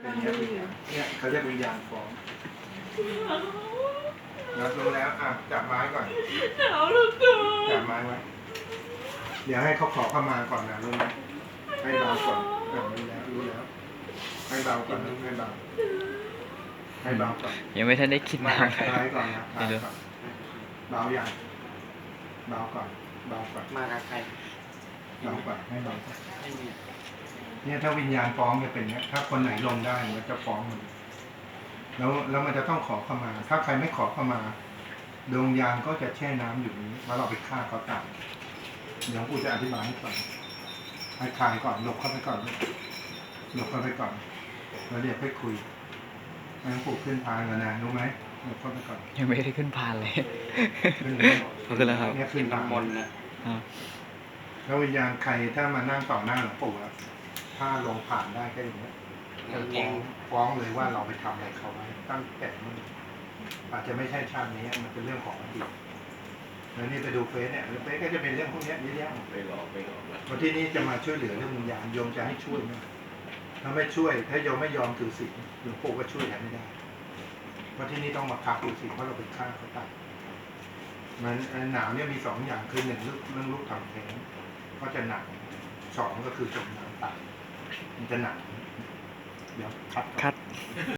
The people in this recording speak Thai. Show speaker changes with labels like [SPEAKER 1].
[SPEAKER 1] เป็นเนี้ยเนี่ยเขาเรียกวิญญาณฟ้องรับรู้แล้วจับไม้ก่อน
[SPEAKER 2] หนาวเหลือเกิน
[SPEAKER 1] จับไม้ไว้เดี๋ยวให้เขาขอเข้ามาก่อนนะรู้ไหมให้เบาก่อนรู้แล้วให้เบาก่อนนะให้เบาก่อน
[SPEAKER 3] ยังไม่ทันได้คิด
[SPEAKER 1] มา
[SPEAKER 3] นะ
[SPEAKER 1] คลายก่อนนะคลายก่อนเบาอย่างเบาก่อน
[SPEAKER 4] มากับใคร
[SPEAKER 1] เบาก่อนให้เบาก่อน
[SPEAKER 4] ไม่มี
[SPEAKER 1] เนี่ยถ้าวิญญาณฟ้องจะเป็นเนี้ยถ้าคนไหนลงได้มันจะฟ้องมันแล้วมันจะต้องขอเข้ามา ถ้าใครไม่ขอเข้ามาดวงวิญญาณก็จะแช่น้ำอยู่นี้ว่าเราไปฆ่าเขาตายเดี๋ยวกูจะอธิบายให้ฟังให้คลายก่อนหลบเข้าไปก่อนแล้วเดี๋ยวค่อยคุยให้หลวงปู่ขึ้นพานก่อนนะรู้ไหมหลบเข้าไปก่อน
[SPEAKER 3] ยังไม่ได้ขึ้นพานเลย
[SPEAKER 1] ขึ้นเลย
[SPEAKER 3] เขาขึ้นแล้วครับ
[SPEAKER 1] เนี่ยขึ้นพาน
[SPEAKER 4] น้ำมนต์นะ
[SPEAKER 1] แล้ววิญญาณใครถ้ามานั่งต่อหน้าหลวงปู่อะถ้าลงผ่านได้ก็อย่างเงี้ยจะฟ้องเลยว่าเราไปทำอะไรเขาไว้ตั้งแต่มันอาจจะไม่ใช่ชาตินี้มันเป็นเรื่องของอดีตแล้วนี่ไปดูเฟซเนี่ยเฟซก็จะเป็นเรื่องพวกนี้เยอะแยะไปหลอกวันที่นี่จะมาช่วยเหลือเรื่องวิญญาณโยมจะให้ช่วยไหมถ้าไม่ช่วยถ้าโยมไม่ยอมถือศีลหลวงปู่ก็ช่วยแทนไม่ได้เพราะที่นี่ต้องมาพักถือศีลเพราะเราไปฆ่าเขาตายมันหนาวเนี่ยมีสองอย่างคือหนึ่งเรื่องลูกทำแท้งก็จะหนักสองก็คือจมน้ำตายมันจะหนักเดี๋ยวคัด